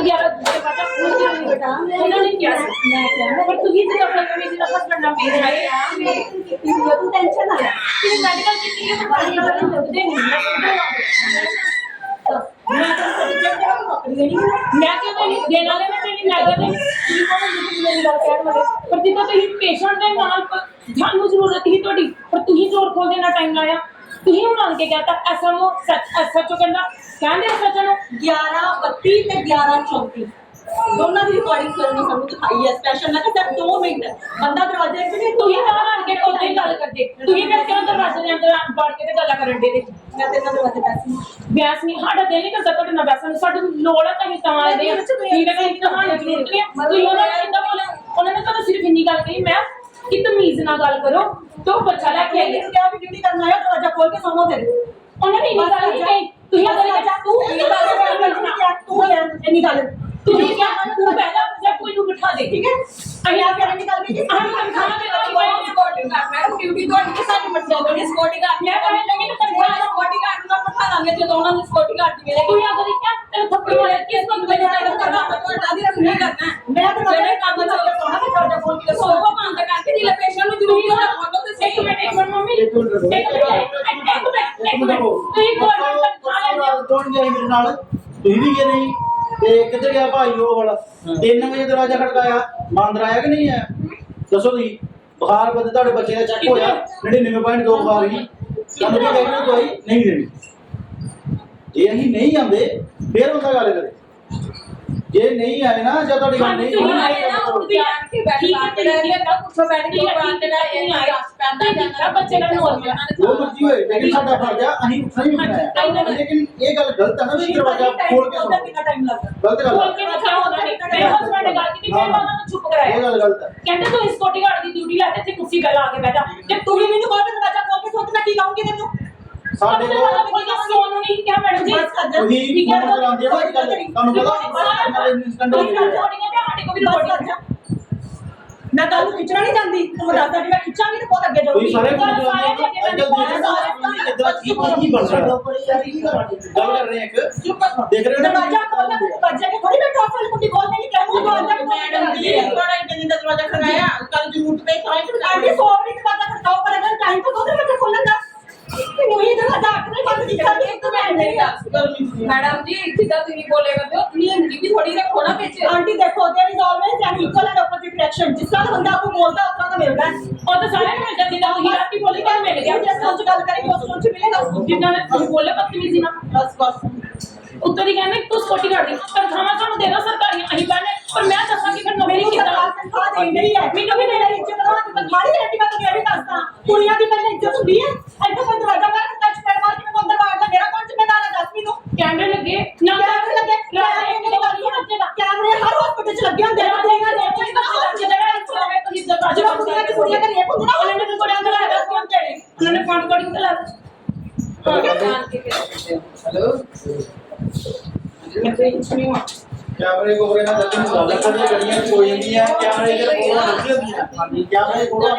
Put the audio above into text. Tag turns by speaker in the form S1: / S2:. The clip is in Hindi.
S1: 11 दूसरे पाचा फूल के नहीं बेटा उन्होंने क्या मैं क्या पर तू ही से अपना कभी से हस्बैंड ना मेरे है तू टेंशन ना ले तेरी मेडिकल की चीजें तो बाहर निकलने लगते नहीं मैं क्यों नहीं देने वाले में तेरी नगर ने मेरी गल कहण वाले पर जिदा तुम पेशेंट दे नाल जानु जरूरत ही तोड़ी पर तू ही जोर खोल देना टाइम लाया तू ही उन्होंने के कहता एसएमओ एसएचओ कहना कहंदे एसएचओ
S2: 11:32 ਤੇ 11:34 दोनों की रिकॉर्डिंग करनी सानू दिखाई है स्पेशल मैं कहता 2 मिनट बंदा दरवाजे च नहीं
S1: तू ही बाहर आके कोई गल करदे तू ही फिर क्यों दरवाजे के अंदर बढ़ के ते गल्ला करन दे
S2: मैं तेरे दरवाजे पैसे
S1: ब्यास नहीं हाड़ा दिल नहीं करता तो ना बैसन साडू लोड़ है कहीं ता दे ठीक है कहीं कहानी जरूरत नहीं है तू उन्होंने सीधा बोले उन्होंने तो सिर्फ इन्नी गल कही मैं कि तमीज ना गल करो तो बच्चा लेके आई
S2: क्या भी ड्यूटी करना है दरवाजा खोल के सोमो फिर
S1: उन्होंने इन्नी गल नहीं कही तू ही अगर
S2: तू ये बात तू है इन्नी गल
S1: तू क्या तू पहला जब कोई नु बिठा दे ठीक है
S2: अभी आप क्या निकल गई
S1: हम खाना दे रही है
S2: स्कॉटिंग गार्ड मैं ड्यूटी तो के साथ मत जाओ स्कॉटिंग गार्ड
S1: मैं कहने लगी तो तेरे
S2: स्कॉटिंग गार्ड ना बिठा देंगे जो दोनों स्कॉटिंग गार्ड मिले
S1: तू या अगर क्या तेरे थप्पड़ मारे किस को मैंने
S2: करना तो हटा दी नहीं करना मैं तो मेरे काम में चल सोना के दरवाजा खोल के सोफा बंद करके दिले पेशेंट नु जरूरी है बोलो तो
S1: एक मिनट मम्मी एक मिनट तू ही गवर्नमेंट खा ले
S3: कौन गया मेरे नाल ਤੁਸੀਂ ਵੀ ਗਏ ਨਹੀਂ ਤੇ ਕਿੱਧਰ ਗਿਆ ਭਾਈ ਉਹ ਵਾਲਾ 3 ਵਜੇ ਦਰਵਾਜ਼ਾ ਖੜਕਾਇਆ ਬਾਂਦਰ ਆਇਆ ਕਿ ਨਹੀਂ ਆਇਆ ਦੱਸੋ ਤੁਸੀਂ ਬੁਖਾਰ ਬੰਦੇ ਤੁਹਾਡੇ ਬੱਚੇ ਦਾ ਚੈੱਕ ਹੋਇਆ 99.2 ਬੁਖਾਰ ਹੀ ਸਾਨੂੰ ਕੀ ਕਹਿੰਦੇ ਦਵਾਈ ਨਹੀਂ ਦੇਣੀ ਜੇ ਅਸੀਂ ਨਹੀਂ ਆਂਦੇ ਫੇਰ ਉਹਦਾ ਗੱਲ ਕਰੇ ਜੇ ਨਹੀਂ ਆਏ ਨਾ ਜਾਂ ਤੁਹਾਡੀ ਗੱਲ ਨਹੀਂ
S1: ठीक है तेरी का कुछ बैठ के बात तेरा ये आया पैदा जाना बच्चे का नॉर्मल
S3: जो मर्जी होए लेकिन साडा फर्ज है ਅਸੀਂ ਉੱਠਣਾ ਹੀ ਹੁੰਦਾ लेकिन ये गल गलत है ना भी दरवाजा खोल के सो
S2: कितना टाइम लगता
S3: गलत गल
S1: खोल के मैं क्या होता नहीं मेरे हस्बैंड ने गल की फिर मैं उन्हें चुप कराया
S3: ये गल गलत है
S1: कहते तू सिक्योरिटी गार्ड की ड्यूटी लाते थे कुर्सी पे ला के बैठा
S2: जब तू भी मैंने बोला दरवाजा खोल के सोच मैं की कहूंगी तेनू
S3: ਸਾਡੇ
S1: दरवाजा खोल के सोन नहीं क्या मैडम जी
S3: ਉਹੀ ਫੋਨ ਚਲਾਉਂਦੇ ਆ ਅੱਜ ਕੱਲ ਤੁਹਾਨੂੰ ਪਤਾ ਇਹਨਾਂ ਦੇ ਇੰਸਟੈਂਟ ਹੋ ਗਏ
S1: ਸਾਡੇ को भी रिकॉर्डिंग
S2: मैं कल खिंचना नहीं चाहती तुम बता दी मैं खिंचांगी तो बहुत आगे
S3: ਕੋਈ
S2: जाऊंगी
S3: ਸਾਰੇ ਫੋਨ ਚਲਾਉਂਦੇ ਆ ਅੱਜ ਕੱਲ ਇਦਾਂ ਕੀ ਨਹੀਂ ਬਣ ਰਿਹਾ ਗੱਲ ਕਰ ਰਹੇ ਇੱਕ ਦੇਖ ਰਹੇ ਹੋ
S2: दरवाजा खोलना दरवाजे के थोड़ी मैं टॉफल कुंडी खोल नहीं कहूंगी दरवाजा मैडम जी थोड़ा इतने दरवाजा खड़काया कल जरूरत पे क्लाइंट आंटी सोवरी दरवाजा खड़काओ पर अगर टाइम तो दो दरवाजा खोलने का वही दरवाजा आखिर बंद दिखा दे तो मैं नहीं
S4: मैडम जी सीधा तुम बोले करते हो नियम की भी थोड़ी रखो ना पीछे
S2: आंटी देखो there is always an equal and opposite reaction जिस तरह बंदा आपको बोलता है उतना का मिलता है
S1: और तो सारे मिल जाते थे वही रात की बोली क्या मिल गया
S2: जैसे सोच गल करेंगे उस सोच मिलेगा
S1: जितना हम बोले बदतमीजी ना
S2: बस बस
S1: उत्तर ही कहने तू सिक्योरिटी गार्ड दी तनख्वाह ਸਾਨੂੰ ਦੇਣਾ ਸਰਕਾਰੀ ਅਸੀਂ ਬਣੇ ਪਰ ਮੈਂ ਦੱਸਾਂਗੀ ਫਿਰ ਮੇਰੀ ਕਿੱਦਾਂ
S2: तनख्वाह दे रही है
S1: ਮੈਨੂੰ ਵੀ
S2: मेरी इज्जत करवा दी तनख्वाह नहीं देती मैं तो ये भी दसदा कुड़ियां दी पहले इज्जत होती है ऐसे कोई दरवाजा मार के टच पैर मार के मैं अंदर बाहर का मेरा कौन जिम्मेदार है दस मिनट
S1: कैमरे लगे ना
S2: कैमरे लगे कैमरे हर हॉस्पिटल च लगे होंगे कुड़ियां दे जो कुड़ियां का रेप होंदा ना उन्होंने भी कुड़ियां अंदर लगा के होंगे
S1: उन्होंने फोन रिकॉर्डिंग चला
S3: हेलो कैमरे को ना दर्जन गाल कर गड़ियां कोई नहीं है कैमरे इधर बोला नहीं है कैमरे को